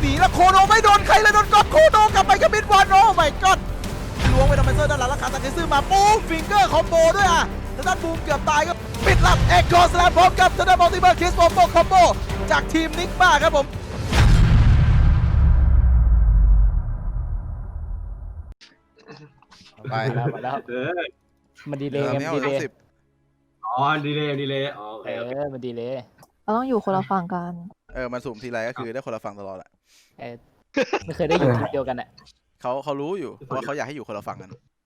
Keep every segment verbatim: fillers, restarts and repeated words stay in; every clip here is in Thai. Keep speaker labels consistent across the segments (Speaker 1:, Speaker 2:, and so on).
Speaker 1: หนีแล้วโคโนไม่โดนใครเลยโดนก๊อตโคโนกลับไปกับมิดวันโอ้ไม่ก๊อตล้วงไปทำไมเซอร์ด้านหลังแล้วขาตัดเกซึมาปูมฟิงเกอร์คอมโบด้วยอ่ะแล้วด้านบูมเกือบตายก็ปิดลับเอ็กโคสแลมพร้อมกับทางด้านมัลติเบิร์คิสโมโมคอมโบจากทีมนิกมาครับผมไป
Speaker 2: แล้วมาแล้ว
Speaker 3: เออ
Speaker 2: มันดีเลยไงมันดีเลย
Speaker 3: อ๋อดีเลยดีเลยอ๋อโอเค
Speaker 2: เอ
Speaker 3: โอเค
Speaker 2: อมันดีเลย
Speaker 4: เราต้องอยู่คนละฝั่งกัน
Speaker 1: เออมันสุ่มทีไรก็คือได้คนละฝั่งตลอดแหละ
Speaker 2: เออไม่เคยได้อยู่ทีมเดียวกันอ่ะ
Speaker 1: เขาเขารู้อยู่ว่าเขาอยากให้อยู่คนละฝั่งกัน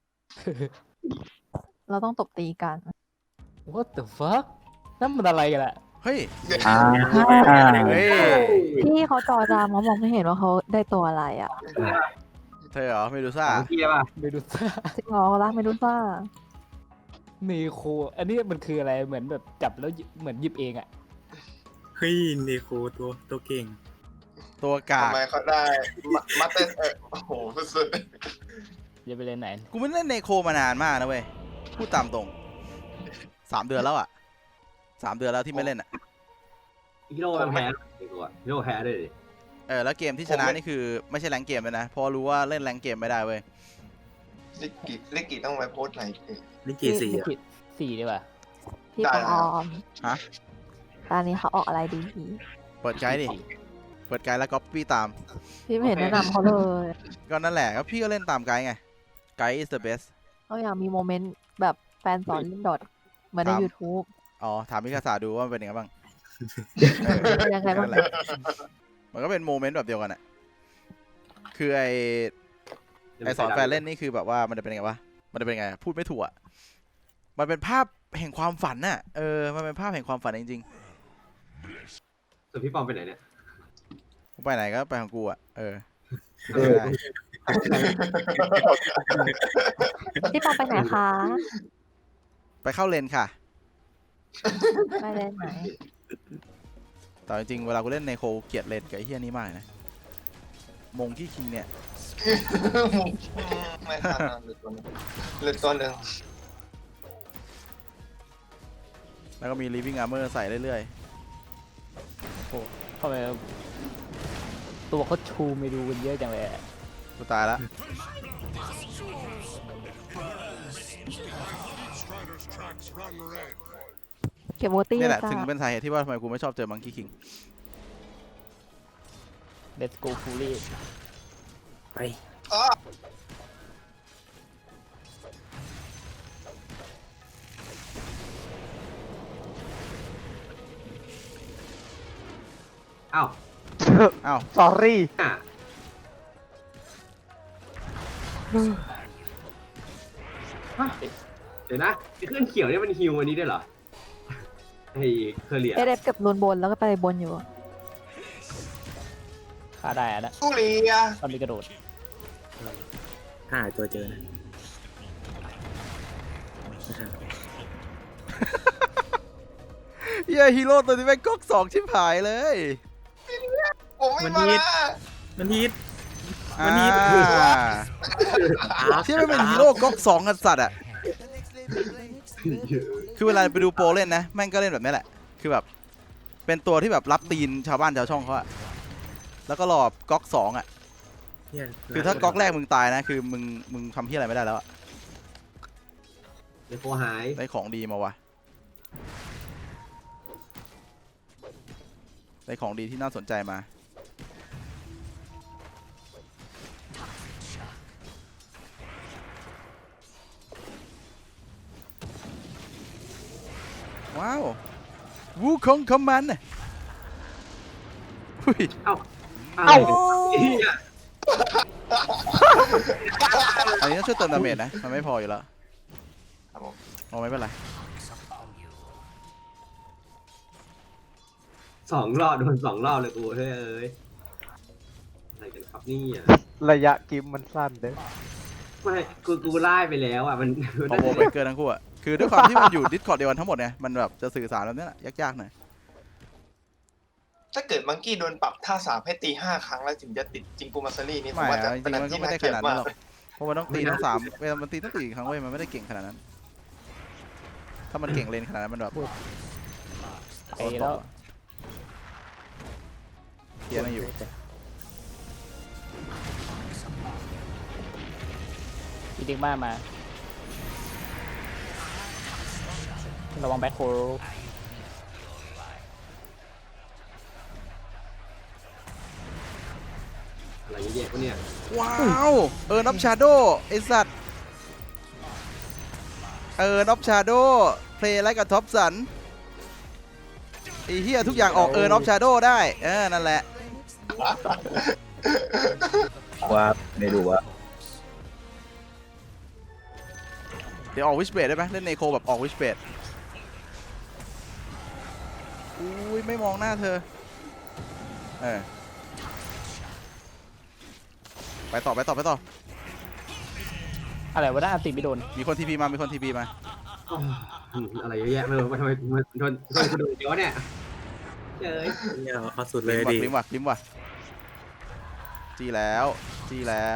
Speaker 4: เราต้องตบตีกัน
Speaker 2: What the fuck นั่นมันอะไรกันอะ
Speaker 1: เฮ้ย
Speaker 5: อ่า
Speaker 1: เฮ้ย
Speaker 4: พี่เขาจอจามเขามองไม่เห็นว่าเขาได้ตัวอะไรอ่ะ
Speaker 1: เธอเหรอไม่ดูซ่า
Speaker 3: เมื่อกี้ป่ะ
Speaker 2: ไม่ดูซ่า
Speaker 4: จริงเหรอรักไม่รู้ซ่า
Speaker 2: เนโคอันนี้มันคืออะไรเหมือนแบบจับแล้วหยิบเหมือนหยิบเองอะ
Speaker 5: เฮ้ยเนโคตัวตัวเก่ง
Speaker 1: ตัวกาก
Speaker 6: ทำไมเขาได้มามาเต้นเออโอ้โหสุด
Speaker 2: จะไปเล่นไหน
Speaker 1: กูไม่เล่นเนโคมานานมากนะเว้ยพูดตามตรงสามเดือนแล้วอ่ะสามเดือนแล้วที่ไม่เล่นอ่ะ
Speaker 3: ฮิโร่มันแพ้ดีกว่าฮิโร่แพ้ด้วยดิ
Speaker 1: เออแล้วเกมที่ชนะนี่คือไม่ใช่แรงเกมเลยนะเพราะรู้ว่าเล่นแรงเกมไม่ได้เว้ย
Speaker 6: ๆลิกกิลิกกิต้องไปโพสต์ไหนคือ
Speaker 5: ลิงกีสี่
Speaker 2: ลิ
Speaker 5: อ่ะ
Speaker 2: ขิตสี่ดีกว่า
Speaker 4: พี่
Speaker 6: ได้
Speaker 4: ปอ
Speaker 6: นะ
Speaker 4: อม
Speaker 1: ฮะ
Speaker 4: ตอนนี้เขาออกอะไรดีพี่
Speaker 1: เปิดไกด์ดิเปิดไกด์แล้วก๊อปปี้ตาม
Speaker 4: พี่ไม่เห็นแนะนำเขาเลย
Speaker 1: ก็นั่นแหละก็พี่ก็เล่นตามไกด์ไงไกด์ is the best
Speaker 4: เขาอยากมีโมเมนต์แบบแฟนสอนเล่นดอทเหมือนใน
Speaker 1: ครับ
Speaker 4: YouTube
Speaker 1: อ๋อถามมิคาซาดูว่ามันเป็นยังไงบ้าง
Speaker 4: เป็นยังไงบ้าง
Speaker 1: นั่นแหละมันก็เป็นโมเมนต์แบบเดียวกันอ่ะคือไอไอสอนแฟนเล่นนี่คือแบบว่ามันจะเป็นยังไงวะมันจะเป็นยังไงพูดไม่ถูกอ่ะมันเป็นภาพแห่งความฝันน่ะเออมันเป็นภาพแห่งความฝันจริงๆ
Speaker 3: ส่วนพี่ปอมไปไหนเนี่ย
Speaker 1: กูไปไหนก็ไปของกูอ่ะ เออ
Speaker 4: พี่ปอไปไหนคะ
Speaker 1: ไปเข้าเลนค่ะ
Speaker 4: ไปเล่นไหน
Speaker 1: แต่จริงๆเวลากูเล่นในโคเกลียดเลนกับไอ้เฮียนี้มากนะ มงที่คิงเนี่ย
Speaker 6: ไม่ทันนะเหลือตัวหนึงเหลือตัวหนึ่ง
Speaker 1: แล้วก็มี living armor ใส่เรื่อย
Speaker 2: ทำไมตัวเขาชูไม่ดูกันเยอะจังเลยอะ
Speaker 1: ๆ กูตายละ
Speaker 4: เก็บโบตี้
Speaker 1: นี่แหละ
Speaker 4: จ้า
Speaker 1: ถึงเป็นสาเหตุที่ว่าทำไมกูไม่ชอบเจอมังคีคิง
Speaker 2: เลตโกฟูลี่
Speaker 5: ไป
Speaker 6: อ้อ
Speaker 3: อ้าว
Speaker 1: อ้าว
Speaker 7: sorry
Speaker 3: อ่ะเดี๋ยวนะไอ้เครื่องเขียวเนี่ยมันฮิวอันนี้ได้เหรอไอ้เคอร์เรีย
Speaker 4: เอเดฟเก็บลนบนแล้วก็ไปบนอยู่
Speaker 2: ฆ่าได้อะนะ
Speaker 6: สู้เลีย
Speaker 2: ตอนมีกระโดด
Speaker 5: ห้าตัวเจอนะ
Speaker 1: เฮียฮีโร่ตัวนี้แม่งก๊อกสองชิบหายเลย
Speaker 6: ผมไม่มาละ
Speaker 5: มันฮิต
Speaker 1: อ่า
Speaker 5: วันนี้
Speaker 1: ที่ไม่เป็นฮีโร่ก๊อกสองกันสัตว์อ่ะ คือเวลาไปดูโปรเล่นนะ แม่งก็เล่นแบบนี้แหละ คือแบบ เป็นตัวที่แบบรับตีนชาวบ้านชาวช่องเขาอะแล้วก็รอก๊อกสองอะคือถ้าก๊อกแรกมึงตายนะ คือมึงมึงทำที่อะไรไม่ได้แล้วอะ
Speaker 3: เดี๋ยวโคหาย
Speaker 1: ได้ของดีมาวะได้ของดีที่น่าสนใจมาว้าววูคงคอมมันน่ะอุ้ย
Speaker 3: เอ้า
Speaker 7: เอ้า
Speaker 3: เหี้ย
Speaker 1: อันนี้ต้องช่วยเติมดาเมจนะ มันไม่พออยู่แล้ว
Speaker 6: ครับผม
Speaker 1: เอาไม่เป็นไร
Speaker 3: สองรอบโดนสองรอบเลยกูเฮ้ยเอ้ยอะไรกันครับนี่อ่ะ
Speaker 7: ระยะกิมมันสั้นเด้อ
Speaker 3: ไม่กูกูไล่ไปแล้วอ่ะมันมัน
Speaker 1: คอมโบเบรกเกอร์ทั้งคู่อะคือด้วยความที่มันอยู่ดิสคอร์ดเดียวกันทั้งหมดเนี่ย มันแบบจะสื่อสารแบบนี้แหละยากๆหน่อย
Speaker 6: ถ้าเกิดมังกี้โดนปรับท่าสามให้ตีห้าครั้งแล้วถึงจะติดจิงกูมาซารีนี่ผม
Speaker 1: ไม่
Speaker 6: ว่าจะ
Speaker 1: อะจริ
Speaker 6: เป็น
Speaker 1: ง
Speaker 6: อะ
Speaker 1: ๆ
Speaker 6: ไร
Speaker 1: มันก็
Speaker 6: ที่
Speaker 1: ไม่
Speaker 6: น่า
Speaker 1: ได้
Speaker 6: เกลี
Speaker 1: ข
Speaker 6: ยด
Speaker 1: นาด
Speaker 6: มา
Speaker 1: นั้น
Speaker 6: ก
Speaker 1: หรอก เพราะมันต้องตีทั้งสามเวลามันตีทั้งสี่ครั้งเว้ย มันไม่ได้เก่งขนาดนั้น ถ้ามันเก่งเลนขนาดนั้นมันแบบ
Speaker 2: ไปแล้ว
Speaker 1: เกียร์ไม่อยู่
Speaker 2: อีเด็กมามาระวังแบ็คโค
Speaker 3: อะไรเยอะแยะวะเนี่ย
Speaker 1: ว้าวเออน็อปชาโดไอสัตว์เออน็อปชาโดเพลย์ไลค์กับท็อปสันไอเฮียทุกอย่างออกเออน็อปชาโดได้เออนั่นแหละ
Speaker 8: ว่าไม่รู้ว่า
Speaker 1: เดี๋ยวออกวิชเบดได้ไหมเล่นเนโคแบบออกวิชเบดอุ้ยไม่มองหน้าเธอเออไปต่อไปต่อไปต่อ
Speaker 2: อะไรวะน่าอันติไม่โดน
Speaker 1: มีคนทีพีมามีคนทีพีมา
Speaker 3: อ้าวอะไรเยอะแยะไม่รู้ทำไมมันโดนโดนกระโดดเยอะเนี่ยเจ้ย
Speaker 5: เนี่ยเอาสุดเล
Speaker 1: ลิ
Speaker 5: ย
Speaker 1: มว่ะ
Speaker 5: ดิ
Speaker 1: ลิมว่ะลิมว่ะจีแล้วจีแล้ว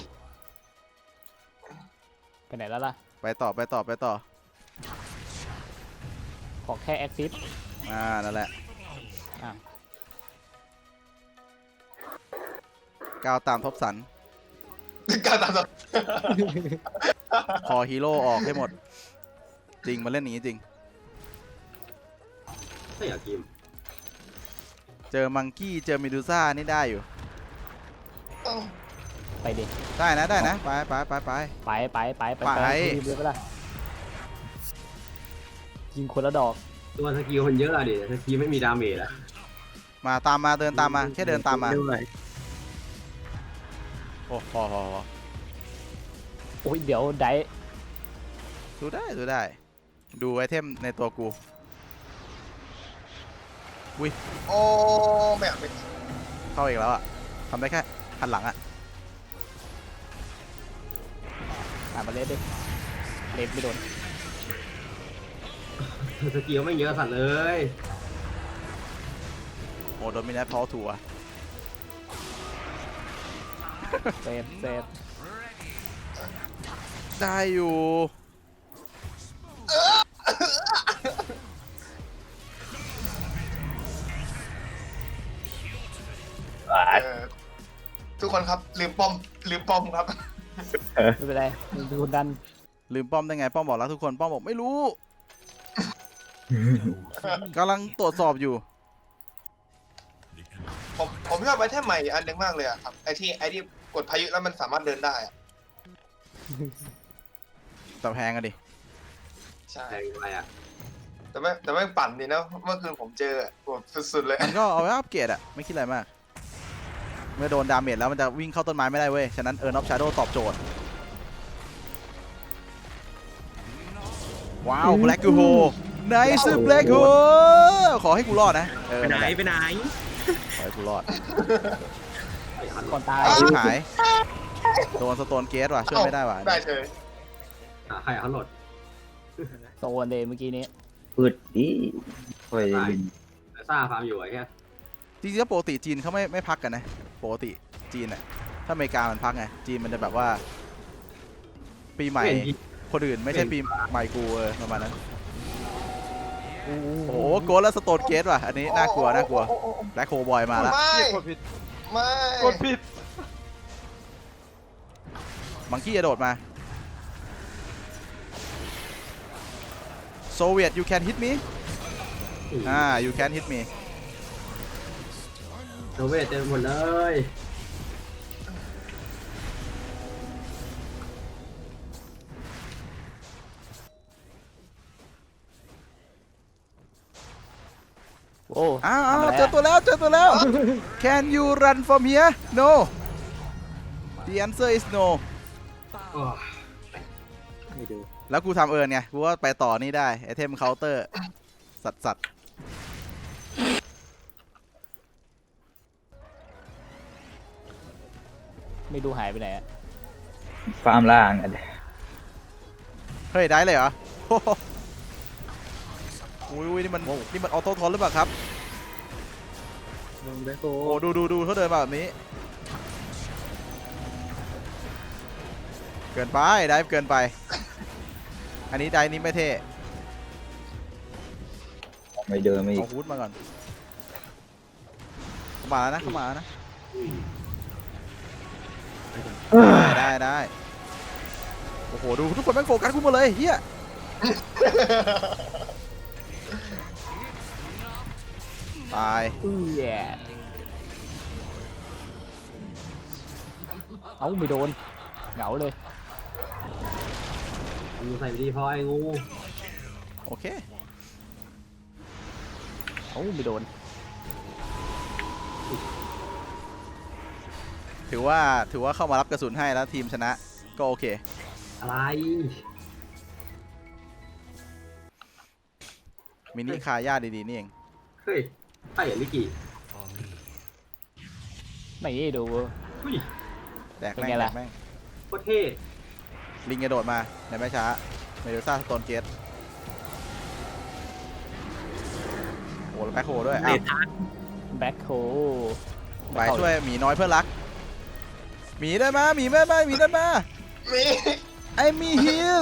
Speaker 2: ไปไหนแล้วล่ะ
Speaker 1: ไปต่อไปต่อไปต่อ
Speaker 2: ขอแค่แอคซิส
Speaker 1: อ่านั่นแหละ
Speaker 2: อ่ะ
Speaker 1: ก้าวตามทบสัน
Speaker 6: การตามสับ
Speaker 1: คอฮีโร่ออกให้หมด จริงมาเล่นอย่างนี้จริง
Speaker 3: ไม่อยากกิน
Speaker 1: เจอมังกี้เจอเมดูซ่านี่ได้อยู่
Speaker 2: ไปดิ
Speaker 1: ได้นะได้นะไปไปไปไป
Speaker 2: ไปไปไปไป
Speaker 1: ไป
Speaker 2: รีบเลยไปละยิงคนละดอก
Speaker 3: ตัวสกิลมันเยอะอะดิสกิลไม่มีดาเมจอะ
Speaker 1: มาตามมาเดินตามมาแค่เดินตามมา
Speaker 5: ไม่ไหว
Speaker 1: โอ้พอพอพอ
Speaker 2: โอ้ยเดี๋ยวได
Speaker 1: ดูได้ดูได้ ดูไอเทมในตัวกู
Speaker 6: โอ้ไม่อยากเป็น
Speaker 1: เข้าอีกแล้วอะทำได้แค่หันหลังอะ
Speaker 2: อ่านมาเลสดิเลสไม่โดน
Speaker 3: สกิลไม่เยอะสัตว์เลย
Speaker 1: โอ้โดนมินัทพอทัว
Speaker 2: เซฟเซฟ
Speaker 1: ได้อยู่
Speaker 6: เออทุกคนครับลืมป้อมลืมป้อมครับ
Speaker 2: ไม่เป็นไรมึงเป็นคนดัน
Speaker 1: ลืมป้อมได้ไงป้อมบอกแล้วทุกคนป้อมบอกไม่รู้ กำลังตรวจสอบอยู่
Speaker 6: ผมผมชอบไอเทมใหม่อันหนึงมากเลยอะครับไอที่ไอที่กดพายุแล้วมันสามารถเดินได้อะ
Speaker 1: แต่แพงอะดิ
Speaker 6: ใช่
Speaker 3: แรงอะไรอะ
Speaker 6: แต่ไม่แต่ไม่ปั่นดีนะเมื่อคืนผมเจออะโหดสุดๆเลย
Speaker 1: มันก็เอาไว้อัปเกรดอะไม่คิดอะไรมาก เมื่อโดนดาเมจแล้วมันจะวิ่งเข้าต้นไม้ไม่ได้เว้ย ฉะนั้นเออร์นอฟชาโดตอบโจทย์ ว้าวแบล็กกูโฮไนซ์แบล็กโฮขอให้กูรอดนะเออ
Speaker 5: ไปไหน
Speaker 1: นั่นแหละ
Speaker 5: ไปไหน
Speaker 1: ขอให้กูรอด
Speaker 2: ก่อนตาย
Speaker 1: ชิบหาย โดนสโตนเกตว่ะช่วยไม่ได้ว่ะ
Speaker 6: ได้เฉย
Speaker 3: อ่ะใครเอาเขาโหลด
Speaker 2: โซนเลยเมื่อกี้นี้
Speaker 8: พืดดิโอ้ย
Speaker 3: ได้ แต่ซ่าฟาร์มอยู่ไอ้แค่
Speaker 1: จริงๆแล้วปกติจีนเขาไม่ไม่พักกันนะ ปกติจีนอะถ้าอเมริกามันพักไง จีนมันจะแบบว่า ปีใหม่
Speaker 3: เห็นยิง
Speaker 1: คนอื่นไม่ใช่ปีใหม่กูเออประมาณนั้น โอ้โหโกดแล้วสโตนเกตว่ะ อันนี้น่ากลัวน่ากลัว
Speaker 6: โอ้โอ้โอ้
Speaker 1: แบล็คโฮบอยมาละ
Speaker 6: ไม่
Speaker 7: กดผิด
Speaker 6: ไม่
Speaker 7: กดผิด
Speaker 1: มังกี้จะโดดมาโซเวียต you can hit me อ่า you can hit me
Speaker 3: โนเวทเต็มหมดเลย
Speaker 2: โอ้
Speaker 1: อ้าวอ้าว
Speaker 2: ทำะไร
Speaker 1: เจอตัวแล้วเจอตัวแล้ว can you run from here no the answer is no
Speaker 3: โอ้
Speaker 5: ไม่ดู
Speaker 1: แล้วกูทำเอิญไง กูว่าไปต่อนี่ได้ไอเทมเคาน์เตอร์ สัตว์สัตว์
Speaker 2: ไม่ดูหายไปไหนอะ
Speaker 8: ฟาร์มล่างอัน
Speaker 1: เฮ้ย ได้เลยเหรอ โอ้โหอุ้ยอุ้ยนี่มันนี่มันออโต้ทอนหรือเปล่าครับ
Speaker 5: ลงแบ็คโฮ
Speaker 1: โอ้ดูดูดูเขาเดินมาแบบนี้ เกินไปได้เกินไป อันนี้ได้นี้ไม่เท่
Speaker 8: ไม่เดินไม่อี
Speaker 1: เอา
Speaker 8: ก
Speaker 1: ฮูดมาก่อนเข้ามาแล้วนะเข้ามาแล้วนะ
Speaker 3: ย
Speaker 1: ได้ได้ได้โอ้โหดูทุกคนแม่งโฟกัสกูหมดเลยเฮียตาย
Speaker 2: อุ้ยแย่เอ้าไม่โดนเหงาเลย
Speaker 3: งูใส่ไปดีพอไอ้งู
Speaker 1: โอเค
Speaker 2: เอ้าไม่โดน
Speaker 1: ถือว่าถือว่าเข้ามารับกระสุนให้แล้วทีมชนะก็โอเค
Speaker 3: อะไร
Speaker 1: มินิคาย่าดีๆนี่เอง
Speaker 3: เฮ้ยใช่เหรอลิกิ
Speaker 2: ไม่ดู
Speaker 3: อุ้ย
Speaker 1: แดกแม่ง
Speaker 2: เป็นไง
Speaker 1: แด
Speaker 2: ล่ะ
Speaker 1: กแม่ง
Speaker 3: โคตรเท่
Speaker 1: ลิงกระโดดมาในไม่ช้าเมดูซ่าสโตนเกตโอ้แล้วแบ็คโฮด้วยอ้าว
Speaker 2: แบ็คโฮ
Speaker 1: ไปช่วยหมีน้อยเพื่อนรักหมีได้มาหมีได้มาหมีได้มา
Speaker 6: มี
Speaker 1: ไอมีฮิล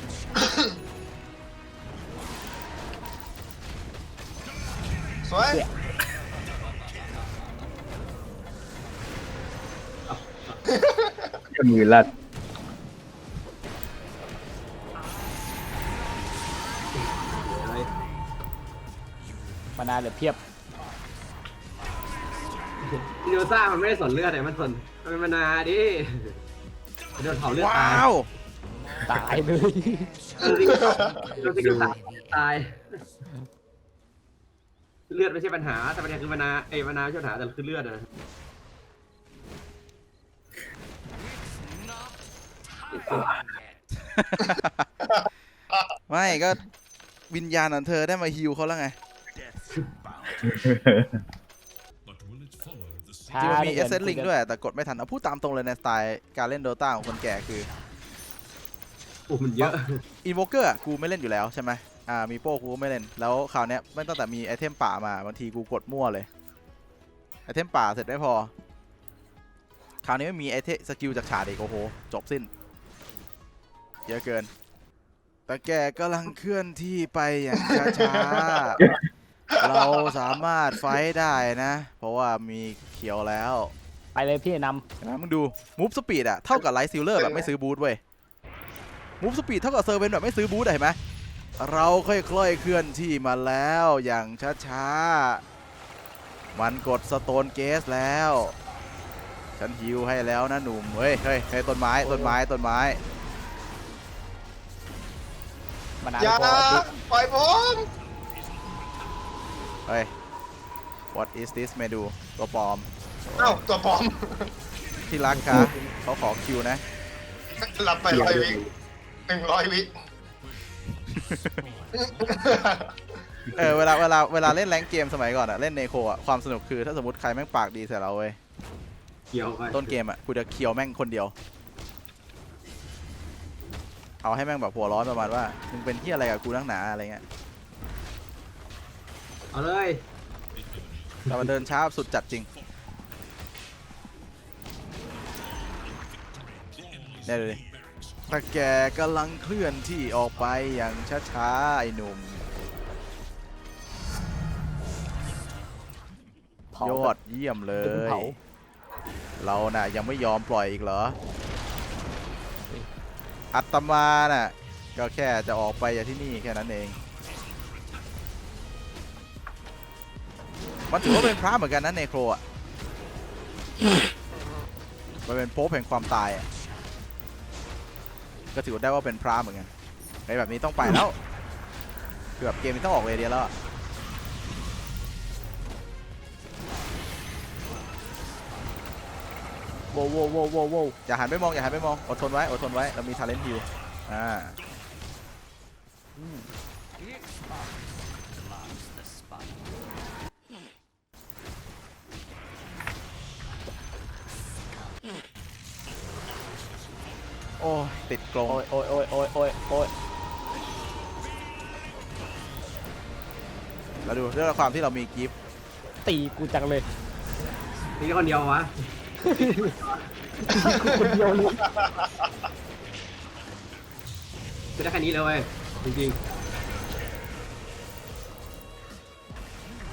Speaker 6: สวย
Speaker 8: จะมือลั่น
Speaker 2: มานานเหลือเพียบ
Speaker 3: ดิโนซ่ามันไม่ได้สนเลือดแต่มันสนมันเป็นมานาดิโดนเผาเลือดตา
Speaker 1: ว้าย ว
Speaker 2: ตายเลย
Speaker 3: โดนสิโดนสิกตายตาย เลือดไม่ใช่ปัญหาแต่ปัญหาคือมานาไอ้มานาไม่ใช่ปัญหาแต่คือเลือดนะ
Speaker 1: ไม่ก็วิญญาณของเธอได้มาฮิวเขาแล้วไง จริงๆมันมีเอเซนลิงด้วยแต่กดไม่ทันเอาพูดตามตรงเลยในสไตล์การเล่นโดตาของคนแก่คือ
Speaker 3: โอ้มันเยอะ
Speaker 1: อินโวเกอร์กูไม่เล่นอยู่แล้วใช่ไหมอ่ามีโป้กูก็ไม่เล่นแล้วคราวเนี้ยไม่ตั้งแต่มีไอเทมป่ามาบางทีกูกดมั่วเลยไอเทมป่าเสร็จไม่พอคราวนี้ไม่มีไอเทมสกิลจากฉาดอีกโอ้โหจบสิ้นเยอะเกินแต่แกกำลังเคลื่อนที่ไปอย่างช้าๆ เราสามารถไฟท์ได้นะ เพราะว่ามีเขียวแล้ว
Speaker 2: ไปเลยพี่น
Speaker 1: เห็นไหมมึงดูมูฟสปีดอะเท่ากับไลท์ซิลเลอร์แบบไม่ซื้อบูทเว้ยมูฟสปีดเท่ากับเซอร์เวนแบบไม่ซื้อบูทอะเห็นไหมเราค่อยๆเคลื่อนที่มาแล้วอย่างช้าๆมันกดสโตนเกสแล้ว ฉันฮิวให้แล้วนะหนุ่มเฮ้ยเฮ้ยเฮ้ยต้นไม้ต้นไม้ต้นไม้
Speaker 2: ำมานาน
Speaker 6: อย่า
Speaker 2: พอจุด
Speaker 6: ปล่อยผม
Speaker 1: เฮ้ย what is this เมดูตัวปลอม
Speaker 6: เอ้าตัวปลอม
Speaker 1: ที่รักคะเขาขอคิวนะ
Speaker 6: หลับไปร้อยวิหนึ่งร้อยวิ
Speaker 1: เออเวลาเวลาเวลาเล่นแรงค์เกมสมัยก่อนอะเล่นเนโคอะความสนุกคือถ้าสมมติใครแม่งปากดีใส่เราเว้ย
Speaker 3: เกี่ยวไป
Speaker 1: ต้นเกมอะกูจะเคียวแม่งคนเดียว เอาให้แม่งแบบหัวร้อนประมาณว่ามึงเป็นที่อะไรกับกูนักหนาอะไรเงี้ย
Speaker 3: เอาเลย
Speaker 1: แต่มันเดินช้าสุดจัดจริงเนี่ยดูดิถ้าแกกำลังเคลื่อนที่ออกไปอย่างช้าๆไอ้หนุ่ม
Speaker 2: เผาย
Speaker 1: อดเยี่ยมเล
Speaker 2: เดี๋ยวมึง
Speaker 1: ย
Speaker 2: เผา
Speaker 1: เราน่ะยังไม่ยอมปล่อยอีกเหรอ อัตมาน่ะก็แค่จะออกไปจากที่นี่แค่นั้นเอง มันถือว่าเป็นพระเหมือนกันนะเนโครอ่ะ มันเป็นโป๊ปแห่งความตายอ่ะ ก็ถือได้ว่าเป็นพระเหมือนกันไอ้แบบนี้ต้องไปแล้วเกือบเกมนี้ต้องออกเรเดียแล้วอะ
Speaker 2: โว้วโว้วโว้วโว้วโว้ว
Speaker 1: อย่าหันไปมองอย่าหันไปมองอดทนไว้อดทนไว้เรามี talent heal อ่าโอ้ยติดกรง
Speaker 2: โอ้ยโอ้ยโอ้ยโอ้ยโอ้ยโอ้ย
Speaker 1: แล้วดูด้วยความที่เรามีกิฟต์
Speaker 2: ตีกูจังเลย
Speaker 3: นี่คนเดียววะ
Speaker 2: คนเดียวเลย
Speaker 3: คือได้แค่นี้เลยเว้ยจริง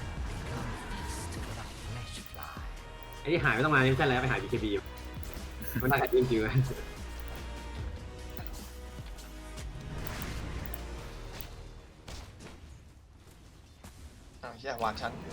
Speaker 3: ๆไอ้ที่หายไม่ต้องมานี่ไม่ใช่แล้วไปหา บี เค บีมันน่าจะจริงๆเลย
Speaker 6: อ้าวเฮียหวานฉัน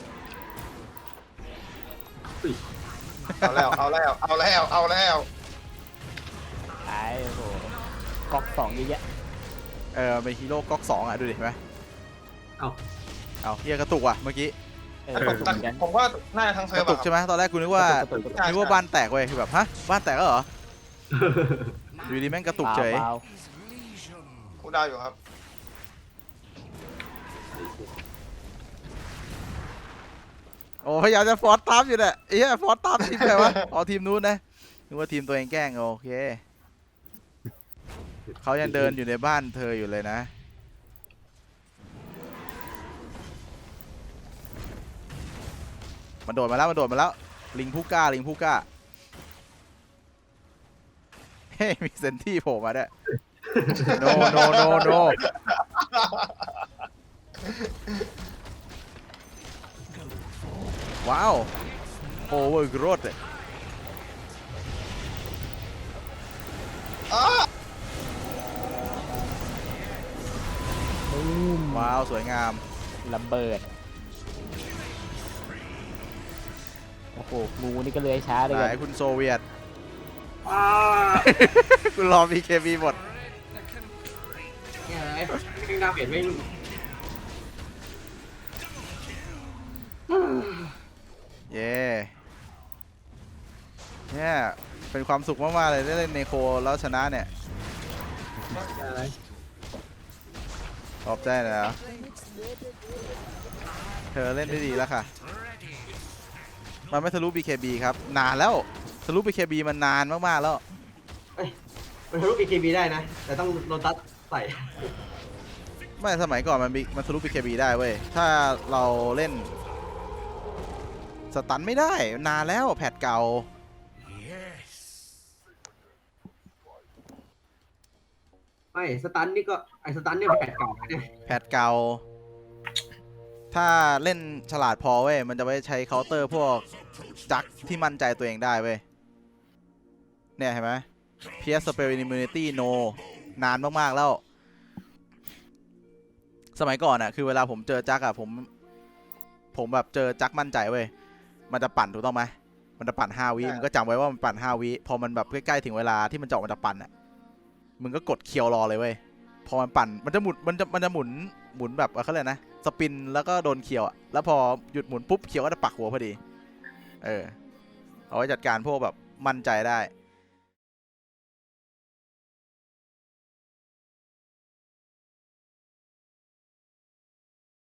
Speaker 3: อุ้ย
Speaker 6: เอาแล้วเอาแล้วเอาแล้วเอาแล้ว
Speaker 2: ตายโอ้โหก๊อกสองเยอะแยะ
Speaker 1: เออเป็นฮีโร่ก๊อกสองอ่ะดูดิเห็นไหม
Speaker 3: เอ้า
Speaker 1: เอาเฮียกระตุกว่ะเมื่อกี้
Speaker 2: เออถูกเหมือนกัน
Speaker 6: ผมว่าน่าจะทั้งเซิ
Speaker 1: ก
Speaker 6: ร์ฟ
Speaker 1: ระตุก
Speaker 6: อะค
Speaker 1: ใช่
Speaker 6: รับ
Speaker 1: ไหมตอนแรกกูนึกว่า
Speaker 2: กระตุกกระตุก
Speaker 6: ใช่
Speaker 1: นึกว่าบ้านแตกเว้ยคือแบบฮะบ้านแตกแล้วเหรออยู่ดีแม่งกระตุกเฉย
Speaker 2: เปล่า
Speaker 6: กูดาวอยู่ครับ
Speaker 1: โอ้พยายามจะฟอร์สตามอยู่แหละเอ้ยฟอร์สตามทีมใครวะอ๋อทีมนู้นนะนึกว่าทีมตัวเองแกล้งโอเคเขายังเดินอยู่ในบ้านเธออยู่เลยนะมันโดดมาแล้วมันโดดมาแล้วลิงผู้กล้าลิงผู้กล้าเฮ้ยมีเซนที่โผล่มาด้วย no no no no ว้าวโอเวอร์กรดเลย
Speaker 6: อ้า
Speaker 2: บูม
Speaker 1: ว้าวสวยงาม
Speaker 2: ระเบิดโอ้โหงูนี่ก็เลื้อยช้าเลย
Speaker 1: ไห
Speaker 2: กัน
Speaker 1: นคุณโซเวียต
Speaker 3: อ้า
Speaker 1: คุณรอ บี เค บี หมด
Speaker 3: แย่เลยไม่น่าเปลี่ยนไม่
Speaker 1: เย้เนี่ยเป็นความสุขมากๆเลยได้เล่นเนโคแล้วชนะเนี่ย
Speaker 3: อะไร
Speaker 1: ขอบใจนะเธอเล่นได้ดีแล้วค่ะ มันไม่ทะลุ บี เค บี ครับ นานแล้วทะลุ บี เค บี มันนานมากๆแล้ว
Speaker 3: มันทะลุ บี เค บี ได้นะ แต่ต้องโดนตัดใส่
Speaker 1: ไม่สมัยก่อนมันมีมันทะลุ บี เค บี ได้เว้ย ถ้าเราเล่นสตันไม่ได้นานแล้วแพทเก่า
Speaker 3: ไม่สตันนี่ก็ไอสตันเนี่ยแผดเก่าเนี่ย
Speaker 1: แพทเก่า ถ้าเล่นฉลาดพอเว้ย มันจะไว้ใช้เคาน์เตอร์พวกจักที่มั่นใจตัวเองได้เว้ย เนี่ยเห็นไหม Pierce Spell Immunity No นานมากๆแล้ว สมัยก่อนอะคือเวลาผมเจอจักอะผม ผมแบบเจอจักมั่นใจเว้ย มันจะปั่นถูกต้องไหม มันจะปั่นห้าวิมึงก็จำไว้ว่ามันปั่นห้าวิ พอมันแบบใกล้ๆถึงเวลาที่มันจะออกมันจะปั่นอะมึงก็กดเคียวรอเลยเว้ย พอมันปั่น มันจะหมุน มันจะ มันจะหมุน หมุนแบบเขาเรียกนะ สปิน แล้วก็โดนเคียวอะแล้วพอหยุดหมุนปุ๊บ เคียวก็จะปักหัวพอดี เออ เอาไว้จัดการพวกแบบมั่นใจได้